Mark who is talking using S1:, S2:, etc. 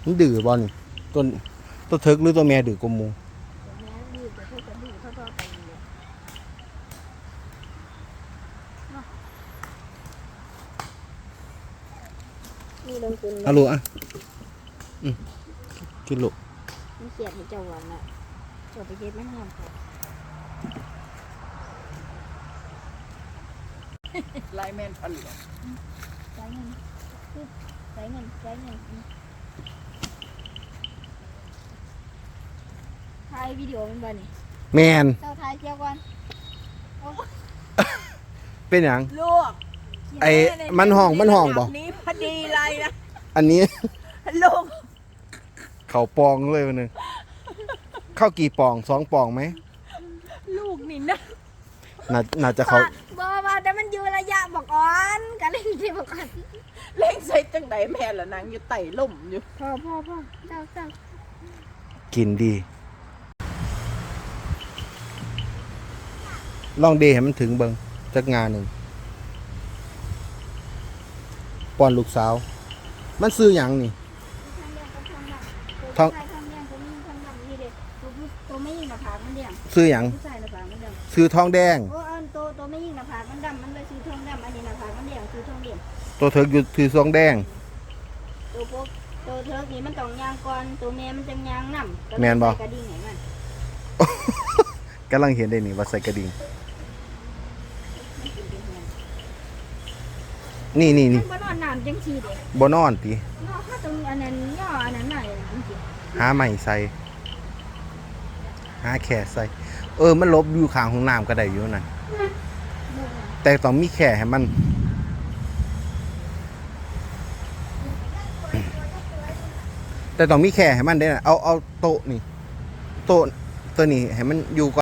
S1: มันดื้อบอลตัวตัวเทิกหรือตัวแม่ดื้อกว่าหมู
S2: แม่ดื้อแต่เธอจะดื้อเท่าๆไปเลยนี่ลงทุนเลย
S1: เอาลูกอ่ะกินลูก
S2: มันเสียดให้เจ้าหวานละเจ้าไปเก็บมันงามค่ะ
S3: ไลแมนพันเหลือง
S2: ใช้เงินใช้เงินถ่ายวิดีโอมันบ่นี่
S1: แมน
S2: เจ้าถ่ายเกี่ยวก่อนโอ้
S1: เป็นอย่าง
S3: ลูก
S1: ไอ้มันห้องบ่
S3: นี้พอดีเลยนะ
S1: อันนี้
S3: ลูก
S1: เขาปองเลยวันนึงเข้ากี่ปอง2 ปองไหม
S3: ลูกนี่นะ
S1: น่าจะเขา
S2: บ่ว่าแต่มันอยู่ระยะบอกอ่อนกันเล่นที่บอกอ่อน
S3: เล่งใส่จังไดแม่ละนางอยู่ไต่ล่มอยู่
S2: พ่อเจ้า
S1: กินดีลองเดให้มันถึงเบิงจักงานหนึ่งป้อนลูกสาว มันซื้อหยังนี่
S2: ท้องเลี้ยงตัวนี้ท้องดำนี่เด็กตัวไม่ยิงหน้าผากมันเดี่ยง
S1: ซื้อหยัง
S2: ผู้ชายหน้าผากมันเดี่ยง
S1: ซื้อทองแดง
S2: โอ้อันตัวไม่ยิงหน้าผากมันดำมันเลยซื้อท้องดำอันนี้หน้าผากมันเดี่ยงซื้อท้องเดี่ยง
S1: ตัวเถิกอยู่ถือทองแดง
S2: ตัวพวกตัวเทิร์กนี่มันต้องยางก่อนตัวแม่มันจะยางน้ำ
S1: แม่นบ่
S2: กระดิ่งไหนมัน
S1: กำลังเห็นได้นี่ว่าใส่กระดิ่งนี่
S2: มันบ่นอนน้ำจังชีเด็ก
S1: บ่นอนติ
S2: นอนถ้าตรงอันนั้นย่ออันนั้นหน่อยจริง
S1: หาใหม่ใส่หาแข่ใส่มันลบอยู่ข้างห้องน้ำก็ได้อยู่นั่น
S2: ๆ
S1: แต่ต้องมีแข่ให้มัน แต่ต้องมีแข่ให้มันได้นะเอาโต๊ะนี่โต๊ะตัวนี้ให้มันอยู่ก่อน